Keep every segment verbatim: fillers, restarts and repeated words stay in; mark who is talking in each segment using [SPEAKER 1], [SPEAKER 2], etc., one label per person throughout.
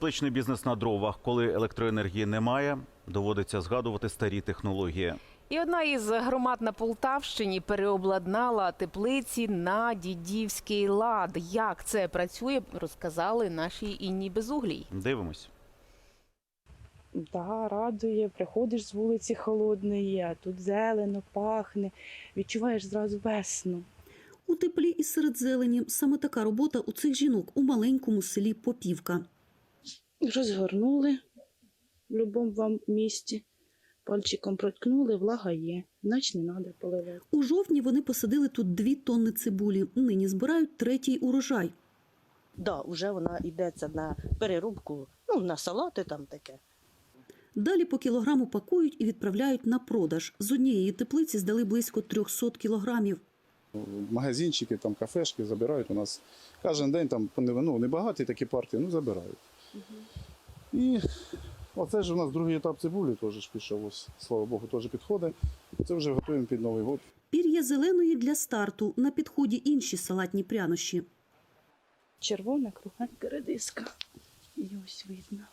[SPEAKER 1] Тепличний бізнес на дровах. Коли електроенергії немає, доводиться згадувати старі технології.
[SPEAKER 2] І одна із громад на Полтавщині переобладнала теплиці на дідівський лад. Як це працює, розказали нашій Інні Безуглій.
[SPEAKER 1] Дивимось.
[SPEAKER 3] Да, радує. Приходиш з вулиці холодної, а тут зелено, пахне. Відчуваєш зразу весну.
[SPEAKER 4] У теплі і серед зелені. Саме така робота у цих жінок у маленькому селі Попівка.
[SPEAKER 3] Розгорнули в будь-якому вам місці. Пальчиком проткнули, влага є. Значить не треба поливати.
[SPEAKER 4] У жовтні вони посадили тут дві тонни цибулі. Нині збирають третій урожай.
[SPEAKER 5] Да, вже вона йдеться на перерубку, ну, на салати там таке.
[SPEAKER 4] Далі по кілограму пакують і відправляють на продаж. З однієї теплиці здали близько триста кілограмів.
[SPEAKER 6] Магазинчики, там, кафешки забирають у нас. Кожен день там, ну, небагаті такі партії, ну, забирають. Угу. І оце ж у нас другий етап цибулі теж пішов, ось, слава Богу, теж підходить. Це вже готуємо під Новий год.
[SPEAKER 4] Пір'я зеленої для старту. На підході інші салатні прянощі.
[SPEAKER 3] Червона, кругленька редиска. І ось видно.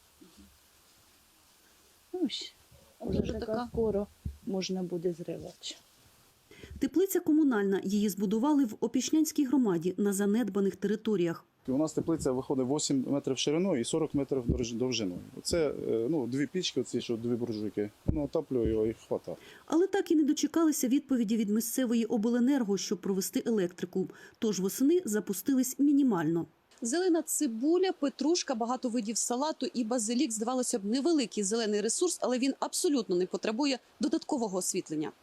[SPEAKER 3] Ось. Вже
[SPEAKER 5] Вже
[SPEAKER 3] така
[SPEAKER 5] така.
[SPEAKER 3] скоро можна буде зривати.
[SPEAKER 4] Теплиця комунальна. Її збудували в Опішнянській громаді на занедбаних територіях.
[SPEAKER 6] У нас теплиця виходить вісім метрів шириною і сорок метрів довжиною. Це ну, дві пічки, оці, що дві буржуйки. Ну, отаплює його і хватає.
[SPEAKER 4] Але так і не дочекалися відповіді від місцевої обленерго, щоб провести електрику. Тож восени запустились мінімально.
[SPEAKER 7] Зелена цибуля, петрушка, багато видів салату і базилік. Здавалося б, невеликий зелений ресурс, але він абсолютно не потребує додаткового освітлення.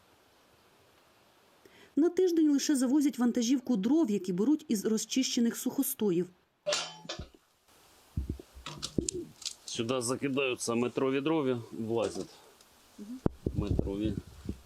[SPEAKER 4] На тиждень лише завозять вантажівку дров, які беруть із розчищених сухостоїв.
[SPEAKER 8] Сюди закидаються метрові дрові, влазять. Метрові.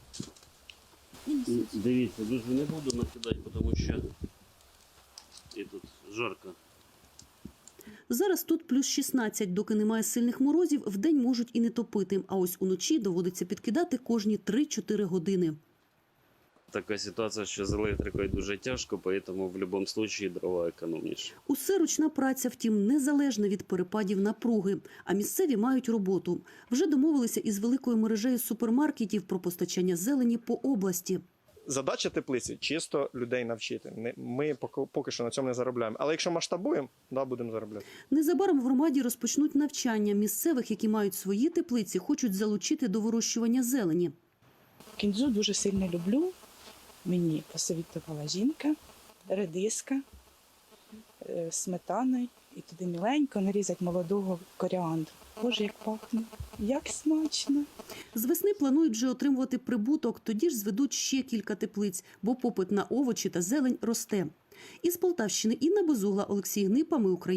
[SPEAKER 8] Дивіться, дуже не буду накидати, тому що і тут жарко.
[SPEAKER 4] Зараз тут плюс шістнадцять, доки немає сильних морозів, вдень можуть і не топити. А ось уночі доводиться підкидати кожні три-чотири години.
[SPEAKER 8] Така ситуація, що з електрикою дуже тяжко, тому в будь-якому випадку дрова економніше.
[SPEAKER 4] Усе ручна праця, втім, незалежна від перепадів напруги. А місцеві мають роботу. Вже домовилися із великою мережею супермаркетів про постачання зелені по області.
[SPEAKER 9] Задача теплиці – чисто людей навчити. Ми поки, поки що на цьому не заробляємо. Але якщо масштабуємо, да, будемо заробляти.
[SPEAKER 4] Незабаром в громаді розпочнуть навчання. Місцевих, які мають свої теплиці, хочуть залучити до вирощування зелені.
[SPEAKER 3] Кінзу дуже сильно люблю. Мені посовітувала жінка, редиска, сметаною. І туди міленько нарізати молодого коріандру. Боже, як пахне, як смачно.
[SPEAKER 4] З весни планують вже отримувати прибуток, тоді ж зведуть ще кілька теплиць, бо попит на овочі та зелень росте. Із Полтавщини Інна Безугла, Олексій Гнипа, Ми Україна.